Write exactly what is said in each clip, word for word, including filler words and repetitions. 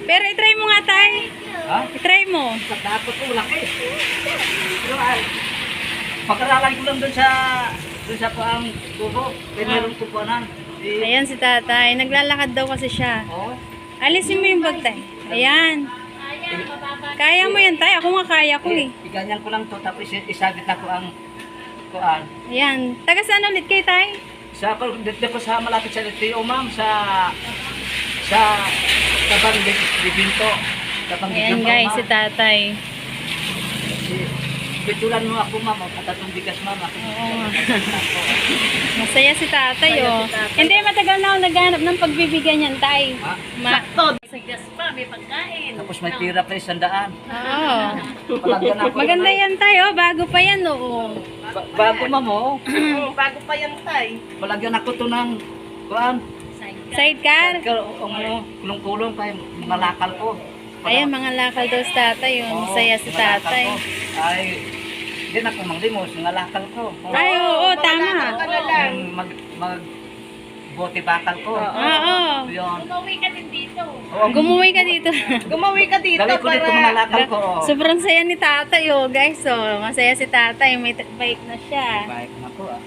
Pero itry mo nga tayo. Ha? Itry mo. Dapat ko laki. Pero ay, pagkaralay ko lang doon sa doon sa paang tubo. Kaya meron ko po nan. Ayan si tatay. Naglalakad daw kasi siya. Oo. Alisin mo yung bag tay. Ayan. Kaya mo yan tay. Ako nga kaya ko eh. Iganyan ko lang to tapos isabit na ko ang kuan. Ayan. Taga saan ulit kay tay? Sa pag dito ko sa malapit sa L T O ma'am sa sa Tabang Libinto. Tabang Ayan guys, si tatay. Pitulan mo ako ma'am, at atong bigas ma'am. Oo. Masaya si tatay oh. Hindi, matagal na ako naghanap ng pagbibigyan niyan tay. Ha? Ma Sa gas pa, may pagkain. Tapos may tira pa isang daan. Oo. Palagyan ako. Maganda yan tayo, bago pa yan oo. Ba- bago ma'am oh. Bago pa yan, tay. Palagyan ako to ng kuan. Sidecar. Ikaw, ang ano, kulong-kulong kay malakal ko. Ayan, mga lakal daw si tatay. Yung masaya si malakal tatay. ko. Ay, hindi na ako manglimos, ngalakal ko. Ay, oo, tama. Ka na lang. Yung mag, mag, bote bakal ko. Oo. Yun. Umuwi ka din dito. Oo, Gumuwi ka dito. Gumawi ka dito dali ko dito mga para... lakal ko. Oh. Sobrang saya ni tatay oh, guys. Oh, masaya si tatay. May t- bike na siya. Baik na ko ah.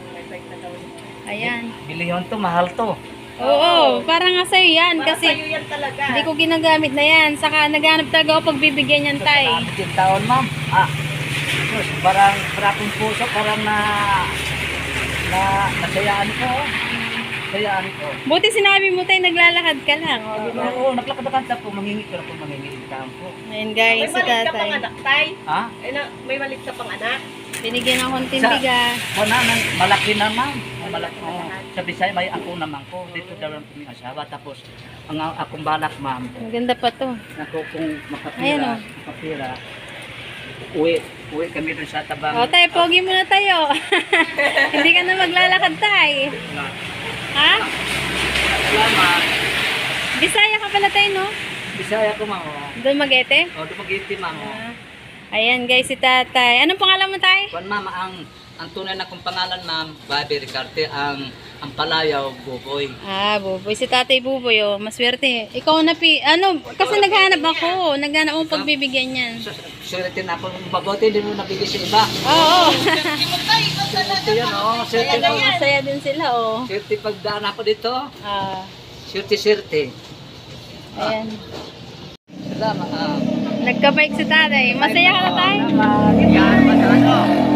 Ayan. Biliyon to, mahal to. Oo, parang nga sa'yo yan. Para Kasi sa'yo yan talaga. hindi ko ginagamit na yan. Saka naghanap talaga ako pagbibigyan yan, tay. Salamat yung taon, ma'am. Ah, Diyos, parang parang puso, parang na na nasayaan ko. oh. Nasayaan ko. Buti sinabi mo, tay, naglalakad ka lang. Oh, di ba? Oo, naglakad-lakad ako, mangingi ko ako, mangingi yung ko. Ayan, May guys, si malit ka tatay. pang anak, tay. Ha? Ay, na, may malit ka pang anak. Binigyan ng konting Sa- bigas. Wala nang malaki na, ma'am. Malaki. Oh, sa Bisaya, may ako naman ko. Dito daw lang kami asawa. Tapos, ang akong balak, ma'am, Maganda pa to. ako kung Ayan, makapira, oh. makapira, uwi, uwi kami dun sa tabang. O, tay, pogi muna tayo. Hindi ka na maglalakad, tay. Ha? Salamat. Bisaya ka pala, tay, no? Bisaya ko, ma'am. oh. Doon Magete? O, dumagiti, ma'am. oh. Ah. Ayan, guys, si tatay. Anong pangalan mo, tay? Kuan, ma'am, ang ang tunay na kong pangalan, ma'am, Bobby Ricarte, ang ang palayaw, Buboy. Ah, Buboy. Si tatay Buboy, oh. Maswerte. Ikaw na, pi... Ano, kasi naghanap ako. Naghanap ako pagbibigyan yan. Swerte na ako, mabuti din mo nabigay sa iba. Oo. Swerte yan, oh. Swerte Ayan, ko. masaya din sila, oh. Swerte pagdaan ako dito. Ah, Swerte, swerte. ayan. Salamat. ah. Nagka-bike si tatay. Masaya ka na, tay? Yan, masano.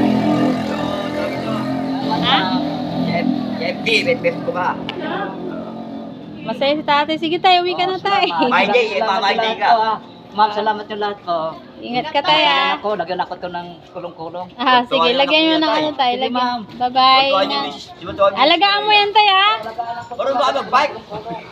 Ha? F B, bet-bet ko ba? Masaya si tatay. Sige, tay. Uwi ka na, tay. My day, my day ka. Ma'am, salamat yung lahat ko. Ingat ka, tay, Lagyan ah. ako, lagyan ako to ng kulong-kulong. Ah, sige. Lagyan mo ng ano, tay. Sige, Lagyan. ma'am. Bye-bye. Ingat. Alagaan mo yan, tay, ah. Parang ba mag-bike?